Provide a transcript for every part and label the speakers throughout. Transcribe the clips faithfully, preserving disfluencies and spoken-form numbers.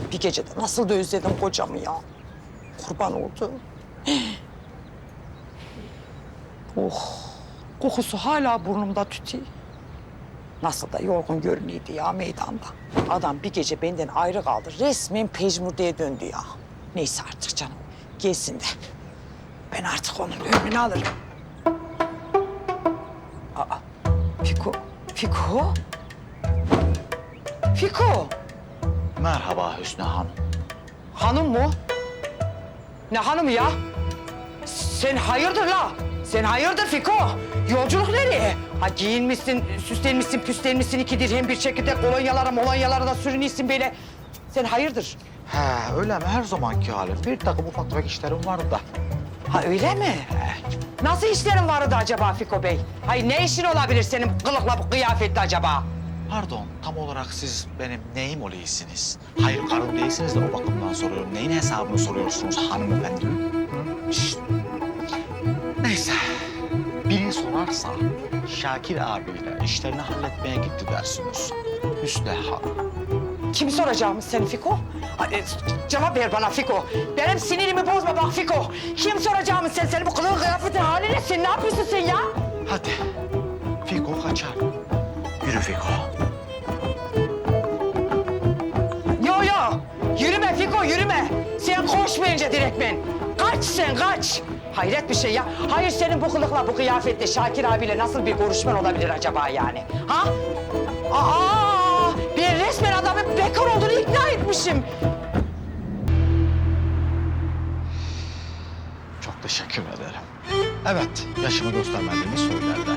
Speaker 1: bir gecede nasıl da özledim kocamı ya. Kurban oldu. Oh, kokusu hala burnumda tütüyor. Nasıl da yorgun görünüyordu ya meydanda. Adam bir gece benden ayrı kaldı. Resmen pejmurdeye döndü ya. Neyse artık canım. Gelsin de. Ben artık onun önünü alırım. Aa, Fiko. Fiko. Fiko.
Speaker 2: Merhaba Hüsnü Hanım.
Speaker 1: Hanım mı? Ne hanımı ya? Sen hayırdır la? Sen hayırdır Fiko? Yolculuk nereye? Ha giyinmişsin, süslenmişsin, püslenmişsin, iki dirhem bir çekirdek kolonyalara, molonyalara da sürünüyorsun böyle. Sen hayırdır?
Speaker 2: He öyle mi? Her zamanki halim. Bir takım ufak tefek işlerim vardı da.
Speaker 1: Ha öyle mi? Nasıl işlerin vardı acaba Fiko Bey? Hayır ne işin olabilir senin kılıkla bu kıyafetle acaba?
Speaker 2: Pardon, tam olarak siz benim neyim oluyorsunuz? Hayır, karım değilsiniz de o bakımdan soruyorum. Neyin hesabını soruyorsunuz hanımefendi? Şşt! Neyse, biri sorarsa Şakir abiyle işlerini halletmeye gitti dersiniz. Hüsnü Hanım.
Speaker 1: Kim soracağımız seni Fiko? Ha, e, cevap ver bana Fiko. Benim sinirimi bozma bak Fiko. Kim soracağımız sen? Senin bu kılığın kıyafetin hali ne? Sen ne yapıyorsun sen ya?
Speaker 2: Hadi, Fiko kaçar. Yürü Fiko.
Speaker 1: Yo yo. Yürüme Fiko yürüme. Sen koşmayınca direktmen. Kaç sen kaç. Hayret bir şey ya. Hayır senin bu kılıkla bu kıyafetle Şakir abiyle nasıl bir görüşmen olabilir acaba yani? Ha? Aa! Ben resmen adamın bekar olduğunu ikna etmişim.
Speaker 2: Çok teşekkür ederim. Evet, yaşımı göstermediğimi söylerler.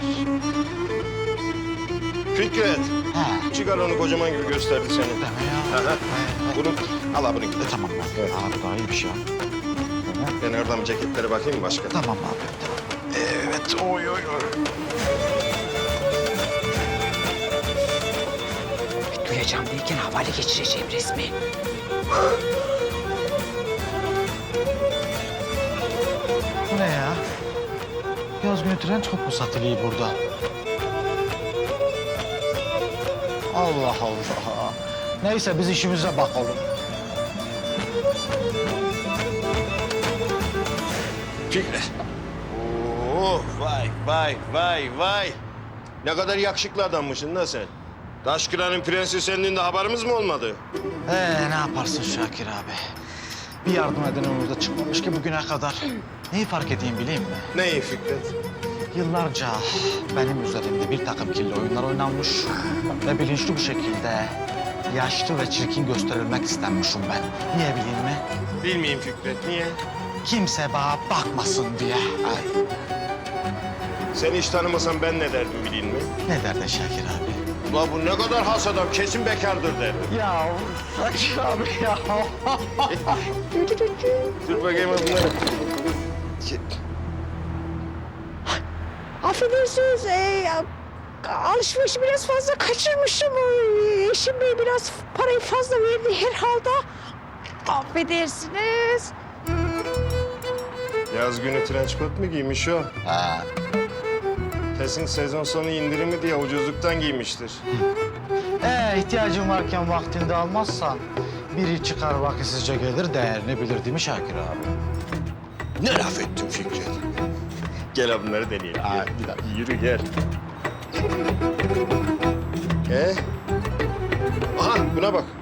Speaker 3: Fikret,
Speaker 2: Ha.
Speaker 3: çıkar onu kocaman gibi gösterdi seni.
Speaker 2: Deme ya.
Speaker 3: Aha. Bunu al abi bunu
Speaker 2: E,
Speaker 3: git.
Speaker 2: tamam abi.
Speaker 3: Evet.
Speaker 2: Abi daha iyi bir şey yap.
Speaker 3: Ben oradan bir ceketlere bakayım mı başka?
Speaker 2: Tamam abi. Tamam. Evet. Oy oy oy.
Speaker 1: Duyacağım derken havale geçireceğim resmen.
Speaker 2: Bu ne ya? Yaz günü tren çok mu satılıyor burada? Allah Allah. Neyse biz işimize bakalım.
Speaker 3: Fikret. Oo, vay vay vay vay. Ne kadar yakışıklı adammışsın lan sen. Taşkıran'ın prensi senin de haberimiz mi olmadı?
Speaker 2: Ee, ne yaparsın Şakir abi? Bir yardım eden önümüzde çıkmamış ki bugüne kadar. Neyi fark edeyim bileyim mi?
Speaker 3: Neyi Fikret?
Speaker 2: Yıllarca benim üzerimde bir takım kirli oyunlar oynanmış ve bilinçli bir şekilde yaşlı ve çirkin gösterilmek istenmişim ben. Niye bileyim mi?
Speaker 3: Bilmeyeyim Fikret, niye?
Speaker 2: Kimse bana bakmasın diye. Ay,
Speaker 3: Seni hiç tanımasam ben ne derdim bileyim mi?
Speaker 2: ne derdi Şakir abi?
Speaker 3: Ulan bu ne kadar has adam, kesin bekardır derdim.
Speaker 2: Ya Şakir abi ya.
Speaker 3: Dur bakayım bunları.
Speaker 1: Affedersiniz, e, alışverişi biraz fazla kaçırmışım. E, Eşim Bey biraz parayı fazla verdi herhalde. Affedersiniz.
Speaker 3: Yaz günü trenç kot mu giymiş o?
Speaker 2: Ha.
Speaker 3: Kesin sezon sonu indirimi diye ucuzluktan giymiştir.
Speaker 2: Ee, ihtiyacın varken vaktinde almazsan biri çıkar vakitsizce gelir değerini bilir değil mi Şakir abi?
Speaker 3: Ne laf ettin Fikret? Gel abi bunları deneyelim.
Speaker 2: Ha,
Speaker 3: Gel.
Speaker 2: bir dakika.
Speaker 3: Yürü gel. Ee? Aha buna bak.